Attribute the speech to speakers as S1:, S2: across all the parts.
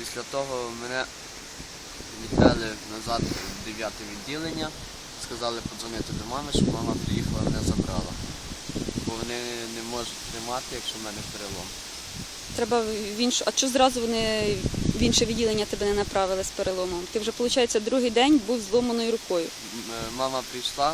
S1: Після того мене відвели назад в 9-те відділення, сказали подзвонити до мами, щоб мама приїхала, мене забрала. Бо вони не можуть приймати, якщо в мене перелом.
S2: Треба в іншу. А чого зразу вони в інше відділення тебе не направили з переломом? Ти вже, виходить, другий день був з зломаною рукою.
S1: Мама прийшла,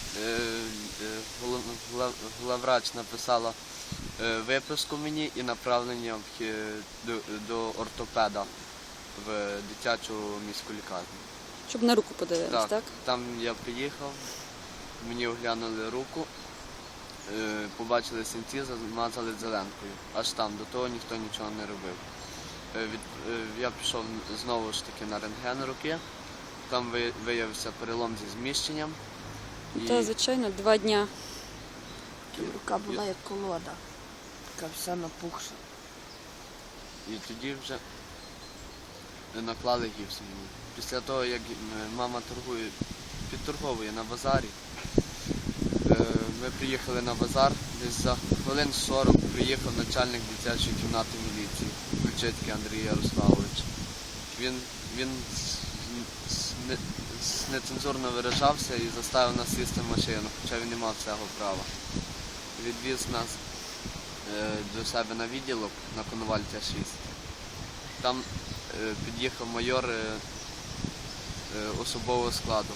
S1: главврач написала виписку мені і направлення до ортопеда в дитячу міську лікарню.
S2: Щоб на руку подивились, так?
S1: Там я приїхав, мені оглянули руку, побачили синці, замазали зеленкою. Аж там, до того ніхто нічого не робив. Я пішов знову ж таки на рентген руки, там виявився перелом зі зміщенням.
S2: Так, звичайно, 2 дня.
S3: Рука була як колода, така вся напухша.
S1: І тоді вже наклали гіпс мені. Після того, як мама підторговує на базарі, ми приїхали на базар, десь за хвилин 40 приїхав начальник дитячої кімнати міліції, Ключицький Андрій Ярославович. Він нецензурно виражався і заставив нас сісти в машину, хоча він не мав цього права. Відвіз нас до себе на відділок на Коновальця 6. Там під'їхав майор особового складу.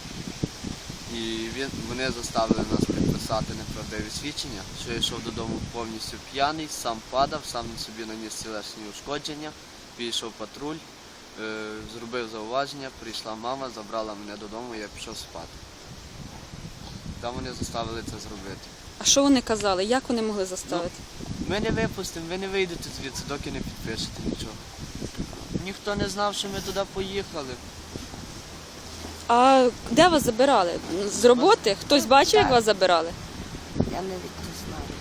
S1: І вони заставили нас підписати неправдиві свідчення, що я йшов додому повністю п'яний, сам падав, сам собі наніс тілесні ушкодження, підійшов патруль, зробив зауваження, прийшла мама, забрала мене додому, і я пішов спати. Там вони заставили це зробити.
S2: А що вони казали? Як вони могли заставити?
S1: Ми не випустимо, ви не вийдете звідси, доки не підпишете нічого. Ніхто не знав, що ми туди поїхали.
S2: А де вас забирали? З роботи? Хтось бачив, як вас забирали?
S3: Я навіть не знаю.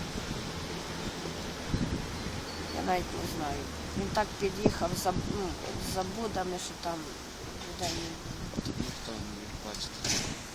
S3: Я навіть не знаю. Він так під'їхав за будами, що там людей не було.
S1: Ніхто не міг бачити.